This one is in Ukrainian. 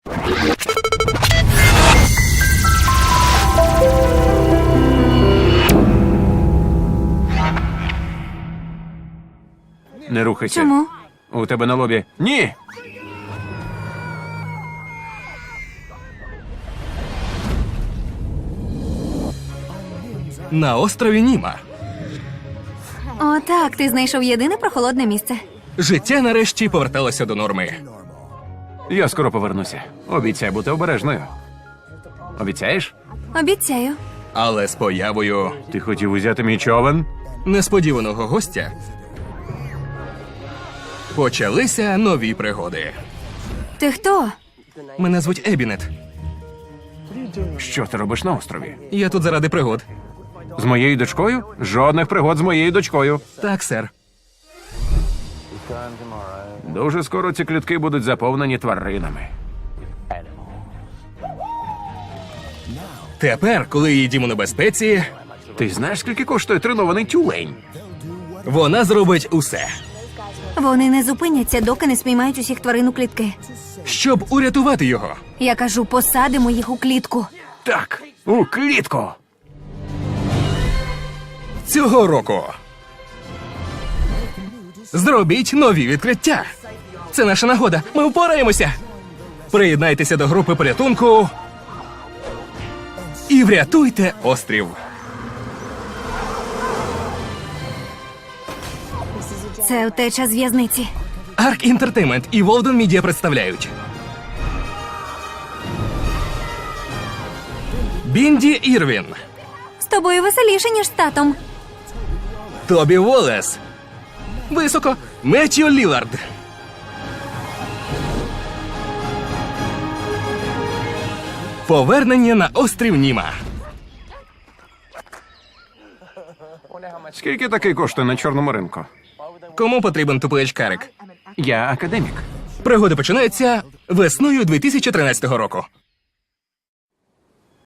Не рухайся. Чому? У тебе на лобі. Ні! На острові Німа. О, так, ти знайшов єдине прохолодне місце. Життя нарешті поверталося до норми. Я скоро повернуся. Обіцяй бути обережною. Обіцяєш? Обіцяю. Але з появою Ти хотів узяти мій човен? несподіваного гостя почалися нові пригоди. Ти хто? Мене звуть Ебінет. Що ти робиш на острові? Я тут заради пригод. З моєю дочкою? Жодних пригод з моєю дочкою. Так, сер. Дуже скоро ці клітки будуть заповнені тваринами. Тепер, коли її дім у небезпеці, Ти знаєш, скільки коштує тренований тюлень? вона зробить усе, Вони не зупиняться, доки не спіймають усіх тварин у клітки. щоб урятувати його. Я кажу, посадимо їх у клітку. Так, у клітку. Цього року. Зробіть нові відкриття. Це наша нагода. Ми впораємося. Приєднайтеся до групи порятунку і врятуйте острів. Це втеча з в'язниці. Арк Інтертеймент і Волден Мідіа представляють Бінді Ірвін, З тобою веселіше, ніж з татом. Тобі Волес, високо Меттью Лілард, повернення на острів Німа. Скільки такий коштує на чорному ринку? Кому потрібен тупий очкарик? Я академік. Пригоди починаються весною 2013 року.